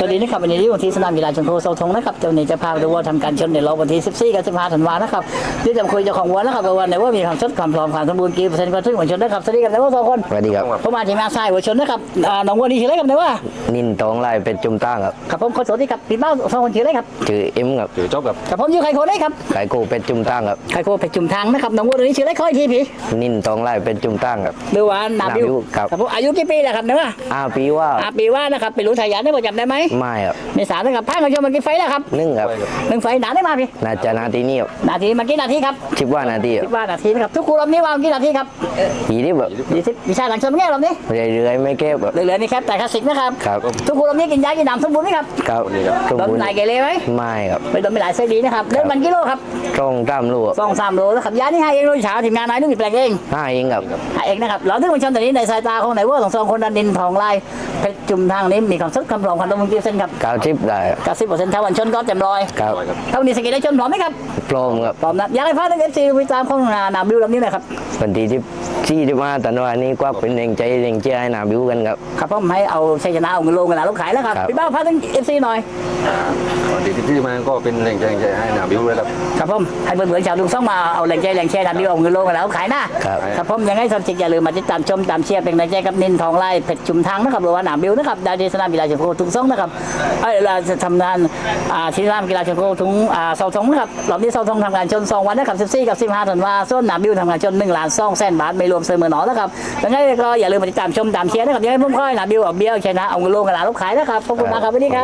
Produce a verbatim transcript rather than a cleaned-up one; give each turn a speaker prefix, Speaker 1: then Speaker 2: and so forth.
Speaker 1: ดีนะครับวันนี้ที่วันที่สนามกีฬาชนโคเสาธงนะครับเจ้าหนี้จะพาไปดูว่าทำการชนในรอบวันที่สิบสี่กับสิบห้าธันวานะครับที่จะคุยเจ้าของวัวนะครับวันไหนว่ามีความชดความพร้อมความสมบูรณ์กี่เปอร์เซ็นต์ก็ถึงวัวชนนะครับสวัสดีครับนายว่าสองคน
Speaker 2: สวัสดีครับ
Speaker 1: ผมมาทีมงานทรายวัวชนนะครับน้องวัวนี่ชื่ออะไรครับนายว่า
Speaker 2: นินตองไล่เป็นจุ่มตั้งครับ
Speaker 1: ครับผมขอสวัสดีครับพี่เบ้าสองคนชื่ออะไรครับ
Speaker 2: ชื่อเอ็มครับ
Speaker 3: ถือจบกับ
Speaker 1: ครับผมอยู่ไข่โคได้ครับ
Speaker 2: ไก่โกเป็นจุ่มตั้งครับ
Speaker 1: ไข่โคเพชรจุ่มทางนะครับน้องวัวตัวนี้ชื่ออะไรค่อยทีพี่
Speaker 2: นินตองไล่เป็นจุ่มตั้งครับ
Speaker 1: หรือว่านาบิว
Speaker 2: นาบิวครับ
Speaker 1: ครับผมอายุกี่ปีแล้วครับนายว่า
Speaker 2: อาปีว่า
Speaker 1: อาปีว่านะครับเป็นรู้ทายาทได้ประจำได้ไหม
Speaker 2: ไม่ครับ
Speaker 1: ในสามนะครับพากันชมมันกี่ไฟแล้วครับ
Speaker 2: นึ่งครับ
Speaker 1: หนึ่งไฟหนาได้มาพี่
Speaker 2: นาจานาทีนี่ครับ
Speaker 1: นาทีมันกี่นาทีครับ
Speaker 2: คิดว่านาทีค
Speaker 1: คิ
Speaker 2: รับ
Speaker 1: ดว่านาทีนะครับทุกครูรอบนี้วางกี่นาทีครับ
Speaker 2: ผีที่แบบ
Speaker 1: ยี่สิบวิชาหลังชนแง่รอบนี้
Speaker 2: เรื่อยๆไม่เก็บครับ
Speaker 1: เหลือๆนี่ครับแต่คลาสสิกนะครับ
Speaker 2: ครับ
Speaker 1: ทุกครูรอบนี้กินยากินน้ำสมบูรณ์ไหมครับ
Speaker 2: ครับสม
Speaker 1: โดน
Speaker 2: บูรณ์
Speaker 1: ไหนเกเรไหม
Speaker 2: ไม่ครับ
Speaker 1: ไปโดนไปหลายไส้ดีนะครับเล่นมันกิโลครับ
Speaker 2: ตรงตามลูกครับ
Speaker 1: สองสามโลแล้วขับยานี่ให้เองรุ่นเช้าทีมงานนายนึกผิดแปลงเอง
Speaker 2: ห้าเองครับ
Speaker 1: ให้เองนะครับเราถึงมันชนแต่นี้ในสายตาของไหนว่าสองสองคนดันดินทองลายเพชรจุ่มทางนี้มีความสุขคำรองความตรงกี่เส้นครับ
Speaker 2: เก้าชิปได้
Speaker 1: เก้าสิบเปอร์เซ็นต์ถ้าวันชนก็เต็มร้อย
Speaker 2: ครับ
Speaker 1: ถ้าวันนี้สกิลได้ชนพร้อมไหมครับ
Speaker 2: พร้อมครับ
Speaker 1: พร้อมนะอยากให้พาทั้งเอฟซีไปตามข้องนานาบิวลำนี้หน่อยครับ
Speaker 2: วันที่ที่ที่ที่มาตันวันนี้ก็เป็นแรงใจแรงเชียร์ให้นาบิวกันครับ
Speaker 1: ครับผมให้เอาชัยชนะเอาเงินลงเงินหลาลูกขายแล้วครับ
Speaker 2: ครับ
Speaker 1: พี่บ้าพาทั้งเอฟซีหน่อย
Speaker 3: ดีที่มาก็เป็นแรงใจใจให้นาบิวเลยครับ
Speaker 1: ครับผมให้เพื่อนๆชาวลุงซ่องมาเอาแรงใจแรงเชียร์นาบิวเอาเงินลงเงินหลาลูกขายนะครับ ครับผมยังไงสำชิกอย่าลืมมาติดตามชมตามเชียร์เป็นแรงใจกับนินทองไล่เพชรจุ่มทางนะครับหรือว่านาบิวนะครับดาวเดสนามกีฬาเชียงโคทุกซ่องนะครับเอ้ยเราจะทำงานอ่าที่สนามกีฬาเชียงโคทุกอ่าเสาธงนะครับรอบนี้เสาธงทำงานชนสองวันนะครับสิบสี่กับสิบห้าธันวาคมส่วนนาบิวทำงานชนหนึ่งล้านสองแสนบาทไม่รวมเสมอหนอนะครับยังไงก็อย่าลืมมาติดตามชมตามเชียร์นะครับยังไงผมค่อยนาบิวเอาเบี้ยวชนะเอาเงินลงเงินหลาลูกขายนะครับขอบคุณมากครับวันนี้ครับ